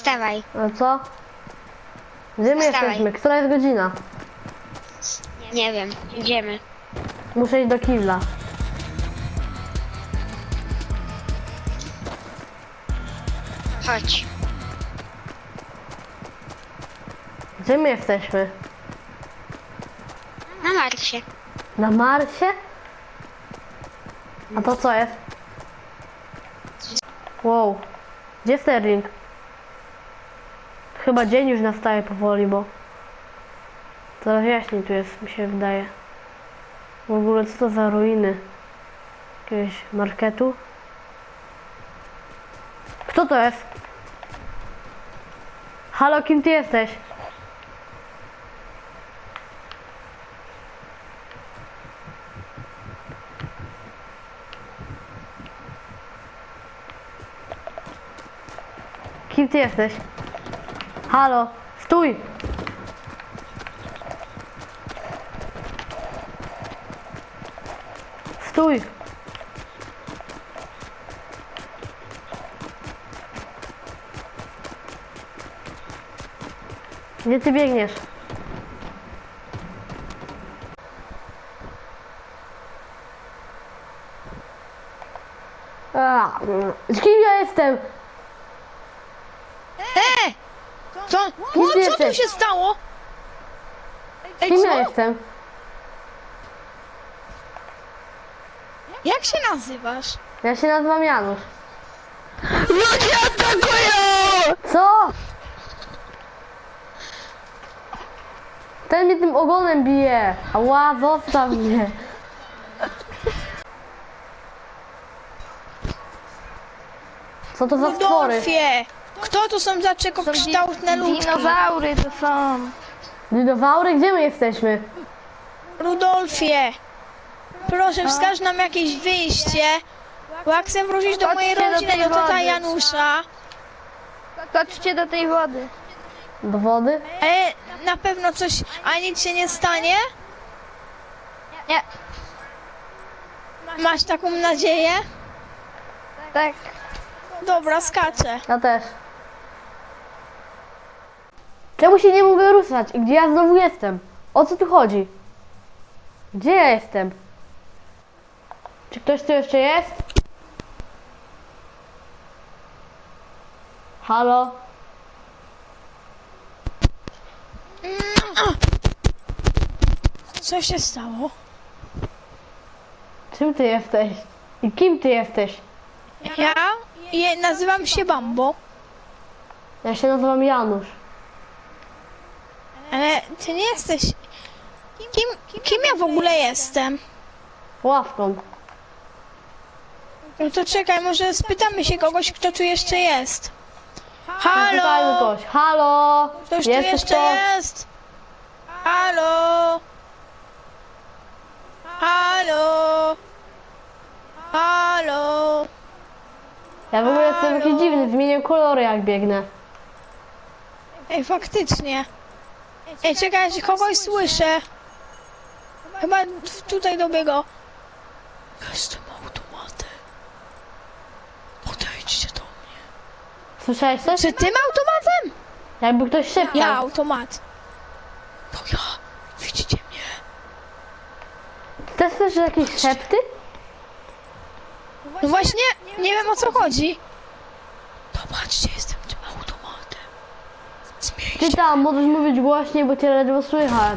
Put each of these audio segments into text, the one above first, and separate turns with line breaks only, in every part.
Wstawaj.
No co? Gdzie my
Wstawaj.
jesteśmy? Która jest godzina?
Nie wiem, idziemy.
Muszę iść do kibla.
Chodź.
Gdzie my jesteśmy?
Na Marsie.
Na Marsie? A to co jest? Wow. Gdzie Sterling? Chyba dzień już nastaje powoli, bo coraz jaśniej tu jest, mi się wydaje. W ogóle co to za ruiny? Jakiegoś marketu? Kto to jest? Halo, kim ty jesteś? Kim ty jesteś? Halo, stój! Stój! Gdzie ty biegniesz? Kim ja jestem?
Co?
Kim ty
Co tu
jesteś?
się stało? Ej,
Kim ja
co?
jestem?
Jak się nazywasz?
Ja się nazywam Janusz.
Ludzie atakują!
Co? Ten mnie tym ogonem bije. Ała, zostaw mnie. Co to za stwory?
Rudolfie! Kto to są za czekokształtne ludzki?
Dinozaury to są.
Dinozaury? Gdzie my jesteśmy?
Rudolfie! Proszę, wskaż nam jakieś wyjście, bo jak chcę wrócić do mojej
Chodźcie do
rodziny,
tej
do tata
wody.
Janusza.
Chodźcie do tej wody.
Do wody?
Na pewno coś, a nic się nie stanie?
Nie,
Masz taką nadzieję?
tak.
Dobra, skaczę.
Ja też. Czemu się nie mogę ruszać? I gdzie ja znowu jestem? O co tu chodzi? Gdzie ja jestem? Czy ktoś tu jeszcze jest? Halo?
Co się stało?
Czym ty jesteś? I kim ty jesteś?
Ja nazywam się Bambo,
Ja się nazywam Janusz.
ale ty nie jesteś... Kim ja w ogóle jestem?
Ławką.
No to czekaj, może spytamy się kogoś, kto tu jeszcze jest.
Zapytajmy
Halo!
kogoś. Halo?
Ktoś tu
Jesteś
jeszcze
to?
jest? Halo! Halo! Halo!
Ja w ogóle jestem jakiś dziwny, zmienię kolory jak biegnę.
Ej, faktycznie. Ej, czekaj, że kogoś słyszę. Chyba tutaj dobiegł. Jestem automatem. Podejdźcie do mnie.
Słyszałeś coś?
Czy tym automatem?
Jakby ktoś szeptał.
Ja, automat. To ja. Widzicie mnie?
Też słyszysz jakieś szepty?
No właśnie, nie wiem o co chodzi. Zobaczcie, jestem tym automatem.
Ty tam, możesz mówić głośniej, bo cię ledwo słychać.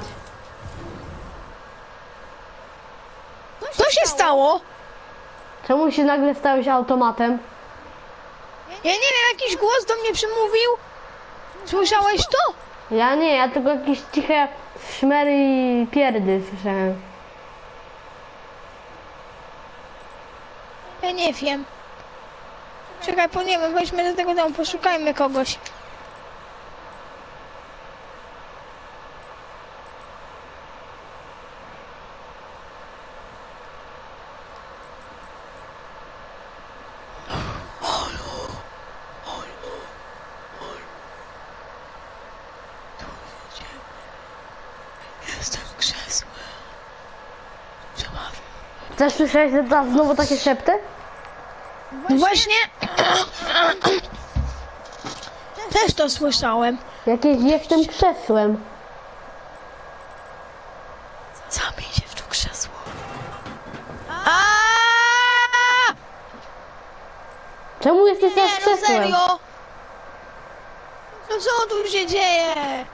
Co się stało?
Czemu się nagle stałeś automatem?
Ja nie wiem, jakiś głos do mnie przemówił. Słyszałeś to?
Ja nie, ja tylko jakieś ciche szmery i pierdy słyszałem.
Ja nie wiem. Czekaj, nie wiem, weźmy do tego domu, poszukajmy kogoś. Jestem krzesłem.
Też słyszałeś znowu takie szepty?
No właśnie. Też to słyszałem.
Jakieś jestem krzesłem.
Zamień się w to krzesło. Aaaa!
Czemu jesteś
Nie,
tak
no
krzesłem?
serio! No co tu się dzieje?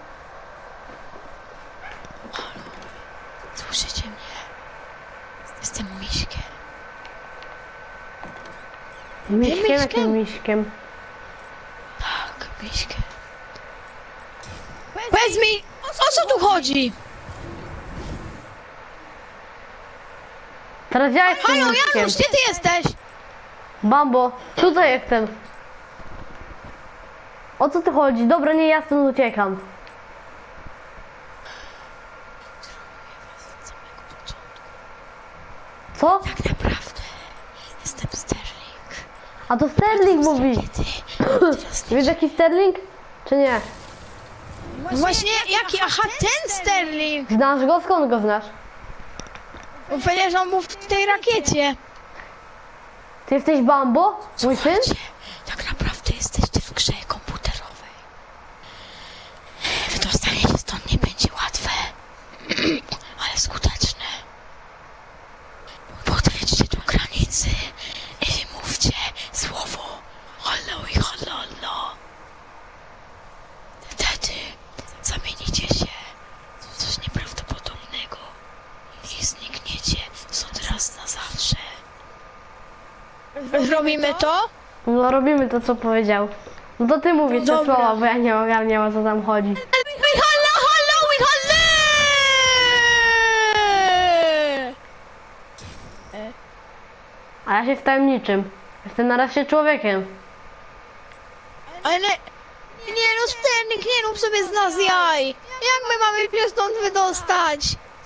Słyszycie mnie? Jestem miśkiem.
Miśkiem?
Miśkiem?
Jakim miśkiem?
Tak, miśkiem. Powiedz mi, o co tu chodzi?
Teraz ja jestem
Halo,
miśkiem.
Janusz, gdzie ty jesteś?
Bambo, tutaj jestem. O co tu chodzi? Dobra, nie, ja stąd uciekam. Co?
Tak naprawdę jestem Sterling.
A to Sterling mówi. Wiesz jaki Sterling? Czy nie?
Właśnie jaki? Aha, ten Sterling!
Znasz go? Skąd go znasz?
Powiedział, że on był w tej rakiecie.
Ty jesteś Bambo? Mój syn?
Tak naprawdę jesteście w grze komputerowej. Wydostanie się stąd nie będzie łatwe, ale skuteczne. Podejdźcie do granicy i wymówcie słowo hallo i hallo. Wtedy zamienicie się w coś nieprawdopodobnego i znikniecie stąd raz na zawsze. Robimy to?
No robimy to co powiedział. No to ty mówisz te
Dobra.
słowa, bo ja nie ogarniam o co tam chodzi. A ja się stałem niczym. Jestem na razie człowiekiem.
Ale nie no, Sterling, nie rób sobie z nas jaj. Jak my mamy się stąd wydostać?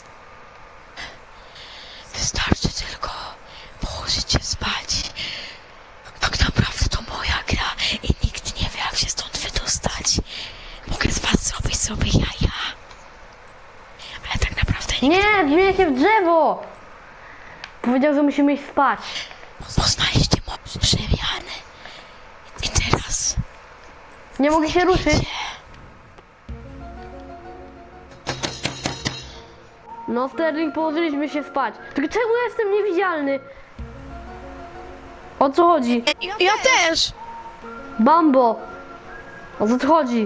Wystarczy tylko położyć się spać. Tak naprawdę to moja gra i nikt nie wie, jak się stąd wydostać. Mogę z was zrobić sobie jaja. Ale tak naprawdę
Nie, zmienię się w drzewo! Powiedział, że musimy iść spać.
poznaliście moc przemiany. I teraz
Nie mogę się ruszyć. No Sterling, położyliśmy się spać. Tylko czemu ja jestem niewidzialny? O co chodzi?
Ja też.
Bambo! O co tu chodzi?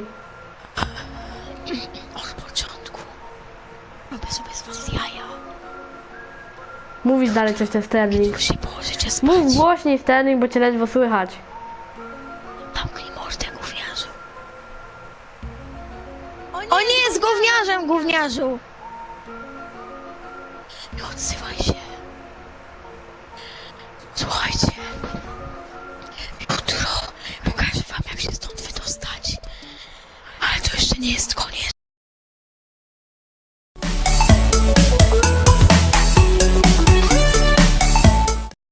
Od początku robię sobie z was jaja.
Mówisz dalej coś ten Sterling.
Już się położycie spać.
Mów głośniej Sterling, bo cię ledwo słychać.
Zamknij mordę, gówniarzu. On nie jest gówniarzem, gówniarzu. Nie odzywaj się. Słuchajcie. Jutro pokażę wam, jak się stąd wydostać. Ale to jeszcze nie jest